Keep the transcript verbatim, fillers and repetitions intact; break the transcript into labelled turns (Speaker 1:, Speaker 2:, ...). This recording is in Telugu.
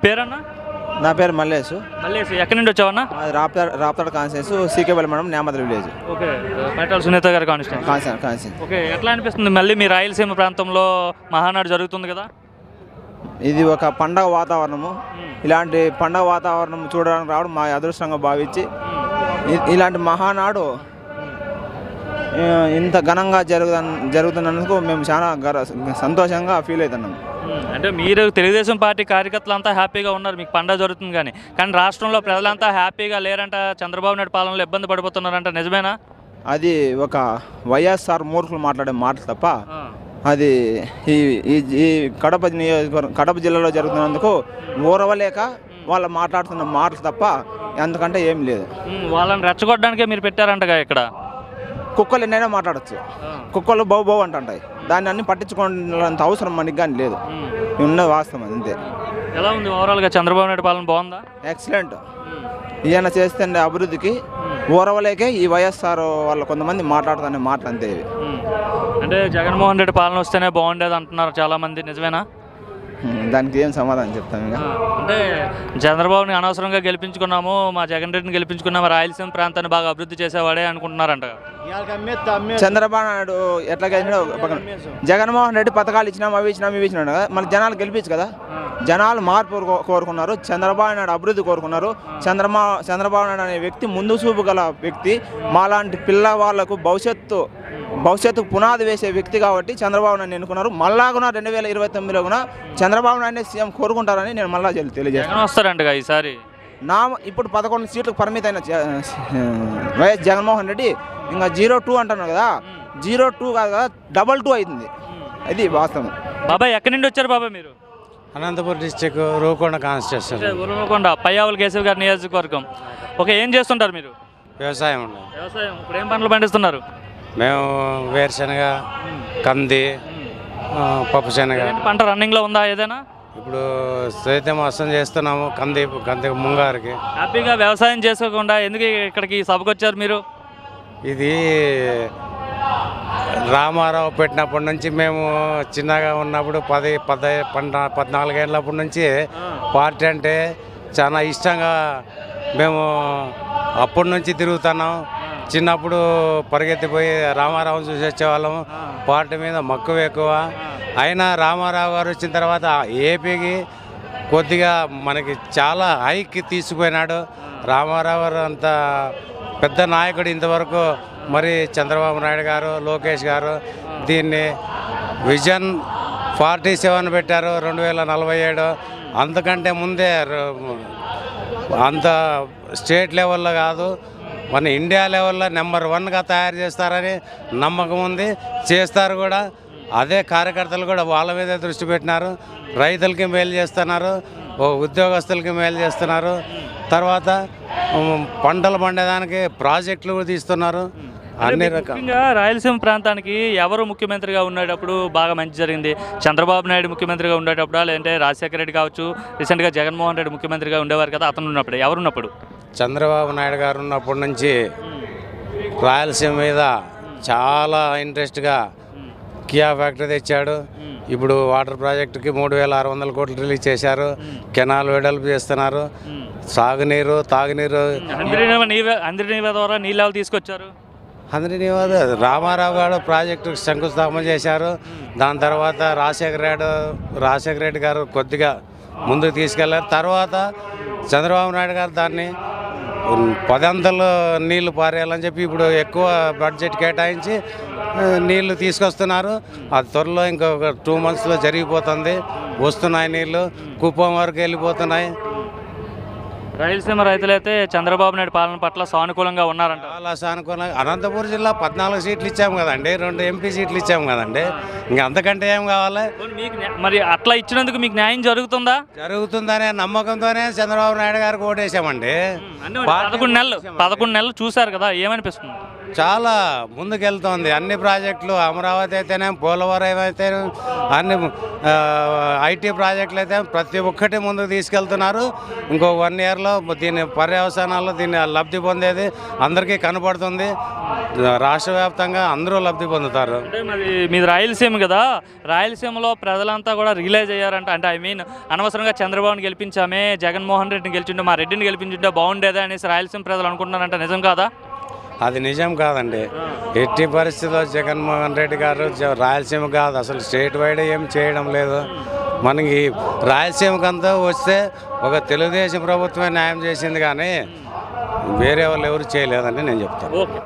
Speaker 1: పేరన్నా?
Speaker 2: నా పేరు మల్లేష్.
Speaker 1: మల్లేష్ ఎక్కడి నుండి వచ్చావన్నా?
Speaker 2: అది రాప్తాడ్ రాప్తాడ్ కాన్స్టిట్యూన్స్ సీకేపల్లి మండలం నేమద్ర విలేజ్.
Speaker 1: ఓకే, పైటాల సునీత గారి కాన్స్టిట్యూన్స్.
Speaker 2: కాన్స్టిట్యూన్స్ కాన్స్టిట్యూన్స్.
Speaker 1: ఓకే, ఎట్లా అనిపిస్తుంది మళ్ళీ మీ రాయలసీమ ప్రాంతంలో మహానాడు జరుగుతుంది కదా?
Speaker 2: ఇది ఒక పండగ వాతావరణము. ఇలాంటి పండగ వాతావరణం చూడడానికి రావడం మా అదృష్టంగా భావించి ఇ- ఇలాంటి మహానాడు ఆ, ఇంత ఘనంగా జరుగు జరుగుతున్నందుకు మేము చాలా గర్వ సంతోషంగా ఫీల్ అవుతున్నాం.
Speaker 1: అంటే మీరు తెలుగుదేశం పార్టీ కార్యకర్తలు అంతా హ్యాపీగా ఉన్నారు, మీకు పండగ జరుగుతుంది కానీ కానీ రాష్ట్రంలో ప్రజలంతా హ్యాపీగా లేరంట, చంద్రబాబు నాయుడు పాలనలో ఇబ్బంది పడిపోతున్నారంట, నిజమేనా?
Speaker 2: అది ఒక వైఎస్ఆర్ మూర్ఖులు మాట్లాడే మాట తప్ప అది ఈ ఈ- ఈ కడప నియోజకవర్గం కడప జిల్లాలో జరుగుతున్నందుకు ఊరవలేక వాళ్ళు మాట్లాడుతున్న మాటలు తప్ప ఎందుకంటే ఏం లేదు.
Speaker 1: ఉమ్, వాళ్ళని రెచ్చగొట్టడానికే మీరు పెట్టారంటగా ఇక్కడ.
Speaker 2: కుక్కలు ఎన్నైనా మాట్లాడచ్చు, కుక్కలు బౌ బౌ అంటుంటాయి, దాన్ని అన్ని పట్టించుకోవాలంత అవసరం మనకి కానీ లేదు. ఉన్న వాస్తవం అది అంతే.
Speaker 1: ఎలా ఉంది ఓవరాల్గా చంద్రబాబు నాయుడు పాలన? బాగుందా?
Speaker 2: ఎక్సలెంట్. ఈయన చేస్తే అభివృద్ధికి ఊరవలేకే ఈ వైఎస్ఆర్ వాళ్ళు కొంతమంది మాట్లాడుతున్న మాటలు అంతే ఇవి.
Speaker 1: అంటే జగన్మోహన్ రెడ్డి పాలన వస్తేనే బాగుండేది అంటున్నారు చాలామంది, నిజమేనా?
Speaker 2: ఉమ్, దానికి ఏం సమాధానం చెప్తాను ఇక.
Speaker 1: అంటే చంద్రబాబుని అనవసరంగా గెలిపించుకున్నాము, మా జగన్ రెడ్డిని గెలిపించుకున్నాము, రాయలసీమ ప్రాంతాన్ని బాగా అభివృద్ధి చేసేవాడే అనుకుంటున్నారంట.
Speaker 2: చంద్రబాబు నాయుడు ఎట్లా గెలిచినాడు పక్కన జగన్మోహన్ రెడ్డి పథకాలు ఇచ్చినాం, అవి ఇచ్చినాం, ఇవి ఇచ్చినాడు కదా, మన జనాలు గెలిపించు కదా. జనాలు మార్పు కో- కోరుకున్నారు, చంద్రబాబు నాయుడు అభివృద్ధి కోరుకున్నారు. చంద్రమా చంద్రబాబు నాయుడు అనే వ్యక్తి ముందు చూపు గల వ్యక్తి, మాలాంటి పిల్లవాళ్లకు భవిష్యత్తు భవిష్యత్తుకు పునాది వేసే వ్యక్తి కాబట్టి చంద్రబాబు నాయుడు ఎన్నుకున్నారు. మళ్ళా కూడా రెండు వేల ఇరవై తొమ్మిదిలో కూడా చంద్రబాబు నాయుడు సీఎం కోరుకుంటారని నేను మళ్ళా తెలియజేస్తాను.
Speaker 1: జగన్ వస్తారంటగా ఈసారి.
Speaker 2: నా ఇప్పుడు పదకొండు సీట్లకు పరిమితమైన జ- వైఎస్ జగన్మోహన్ రెడ్డి ఇంకా జీరో టూ అంటున్నారు కదా, జీరో టూ కాదు కదా, డబల్ టూ అవుతుంది. అది వాస్తవం.
Speaker 1: బాబాయ్ ఎక్కడి నుండి వచ్చారు బాబాయ్ మీరు?
Speaker 3: అనంతపురం డిస్టిక్ రూకొండ కాన్స్టిట్యూషన్.
Speaker 1: ఉరవకొండ పయ్యావుల కేశవ్ గారి నియోజకవర్గం. ఓకే, ఏం చేస్తుంటారు మీరు?
Speaker 3: వ్యవసాయం ఉంది.
Speaker 1: వ్యవసాయం. ఇప్పుడు ఏం పంటలు పండిస్తున్నారు?
Speaker 3: మేము వేరుశనగ, కంది, ఆ, పప్పు శనగ.
Speaker 1: ఏంటి పంట రన్నింగ్లో ఉందా ఏదైనా?
Speaker 3: ఇప్పుడు సైతం మోసం చేస్తున్నాము కంది కంది ముంగారికి.
Speaker 1: హ్యాపీగా వ్యవసాయం చేసుకోకుండా ఎందుకు ఇక్కడికి ఈ సభకు వచ్చారు మీరు?
Speaker 3: ఇది రామారావు పెట్టినప్పటి నుంచి మేము చిన్నగా ఉన్నప్పుడు పది పద పద్నా పద్నాలుగేళ్ళప్పటి నుంచి పార్టీ అంటే చాలా ఇష్టంగా మేము అప్పటి నుంచి తిరుగుతున్నాం. చిన్నప్పుడు పరిగెత్తిపోయి రామారావుని చూసి వచ్చేవాళ్ళం. పార్టీ మీద మక్కువ ఎక్కువ. అయినా రామారావు గారు వచ్చిన తర్వాత ఏపీకి కొద్దిగా మనకి చాలా హైకి తీసుకుపోయినాడు. రామారావు గారు అంత పెద్ద నాయకుడు ఇంతవరకు మరి చంద్రబాబు నాయుడు గారు, లోకేష్ గారు దీన్ని విజన్ ఫార్టీ సెవెన్ పెట్టారు రెండు వేల నలభై ఏడు. అంతకంటే ముందే ర- అంత స్టేట్ లెవెల్లో కాదు, మన ఇండియా లెవెల్లో నెంబర్ వన్గా తయారు చేస్తారని నమ్మకం ఉంది. చేస్తారు కూడా. అదే కార్యకర్తలు కూడా వాళ్ళ మీదే దృష్టి పెట్టినారు. రైతులకి మేలు చేస్తున్నారు, ఓ ఉద్యోగస్తులకి మేలు చేస్తున్నారు. తర్వాత ఉమ్, పంటలు పండేదానికి ప్రాజెక్టులు కూడా తీస్తున్నారు. అన్ని రకాల
Speaker 1: ముఖ్యంగా రాయలసీమ ప్రాంతానికి ఎవరు ముఖ్యమంత్రిగా ఉండేటప్పుడు బాగా మంచి జరిగింది? చంద్రబాబు నాయుడు ముఖ్యమంత్రిగా ఉండేటప్పుడు, లేదంటే రాజశేఖర రెడ్డి కావచ్చు, రీసెంట్గా జగన్మోహన్ రెడ్డి ముఖ్యమంత్రిగా ఉండేవారు కదా, అతను ఉన్నప్పుడు ఎవరున్నప్పుడు?
Speaker 3: చంద్రబాబు నాయుడు గారు ఉన్నప్పటి నుంచి రాయలసీమ మీద చాలా ఇంట్రెస్ట్గా కియా ఫ్యాక్టరీ తెచ్చాడు. ఇప్పుడు వాటర్ ప్రాజెక్టుకి మూడు వేల ఆరు వందల కోట్లు రిలీజ్ చేశారు. కెనాల్ వెడల్పు చేస్తున్నారు. సాగునీరు, తాగునీరు.
Speaker 1: అందరి నీవే అందరి నీవే ద్వారా నీళ్ళు తీసుకొచ్చారు.
Speaker 3: అందరినీ రామారావు గారు ప్రాజెక్టుకు శంకుస్థాపన చేశారు. దాని తర్వాత రాజశేఖర రెడ్డి రాజశేఖర రెడ్డి గారు కొద్దిగా ముందుకు తీసుకెళ్లారు. తర్వాత చంద్రబాబు నాయుడు గారు దాన్ని పదంతలు నీళ్లు పారేయాలని చెప్పి ఇప్పుడు ఎక్కువ బడ్జెట్ కేటాయించి ఆ, నీళ్లు తీసుకొస్తున్నారు. అది త్వరలో ఇంకొక టూ మంత్స్లో జరిగిపోతుంది. వస్తున్నాయి నీళ్లు, కుప్పం వరకు వెళ్ళిపోతున్నాయి.
Speaker 1: రాయలసీమ రైతులైతే చంద్రబాబు నాయుడు పాలన పట్ల సానుకూలంగా ఉన్నారంట.
Speaker 3: చాలా సానుకూలంగా. అనంతపురం జిల్లా పద్నాలుగు సీట్లు ఇచ్చాము కదండి, రెండు ఎంపీ సీట్లు ఇచ్చాము కదండి. ఇంకా అంతకంటే ఏం కావాలి?
Speaker 1: మీకు న్యా- మరి అట్లా ఇచ్చినందుకు మీకు న్యాయం జరుగుతుందా?
Speaker 3: జరుగుతుందనే నమ్మకంతోనే చంద్రబాబు నాయుడు గారికి ఓటేసామండి.
Speaker 1: అంటే పదకొండు నెలలు పదకొండు నెలలు చూశారు కదా, ఏమనిపిస్తుంది?
Speaker 3: చాలా ముందుకెళ్తోంది. అన్ని ప్రాజెక్టులు అమరావతి అయితేనే, పోలవరం అయితే, అన్ని ఐటీ ప్రాజెక్టులు అయితే ప్రతి ఒక్కటి ముందుకు తీసుకెళ్తున్నారు. ఇంకో వన్ ఇయర్లో దీని పర్యవసానాల్లో దీన్ని లబ్ధి పొందేది అందరికీ కనపడుతుంది. రాష్ట్ర వ్యాప్తంగా అందరూ లబ్ధి పొందుతారు.
Speaker 1: అంటే మరి మీది రాయలసీమ కదా, రాయలసీమలో ప్రజలంతా కూడా రియలైజ్ అయ్యారంట. అంటే ఐ మీన్ అనవసరంగా చంద్రబాబుని గెలిపించామే, జగన్మోహన్ రెడ్డిని గెలిచిండే, మా రెడ్డిని గెలిపించుంటే బాగుండేదే అనేసి రాయలసీమ ప్రజలు అనుకుంటున్నారంట. నిజం కాదా?
Speaker 3: అది నిజం కాదండి. ఎట్టి పరిస్థితుల్లో జగన్మోహన్ రెడ్డి గారు జ- రాయలసీమ కాదు, అసలు స్టేట్ వైడ్ ఏం చేయడం లేదు. మనకి రాయలసీమకంతా వస్తే ఒక తెలుగుదేశం ప్రభుత్వమే న్యాయం చేసింది, కానీ వేరే వాళ్ళు ఎవరు చేయలేదని నేను చెప్తాను.
Speaker 1: ఓకే.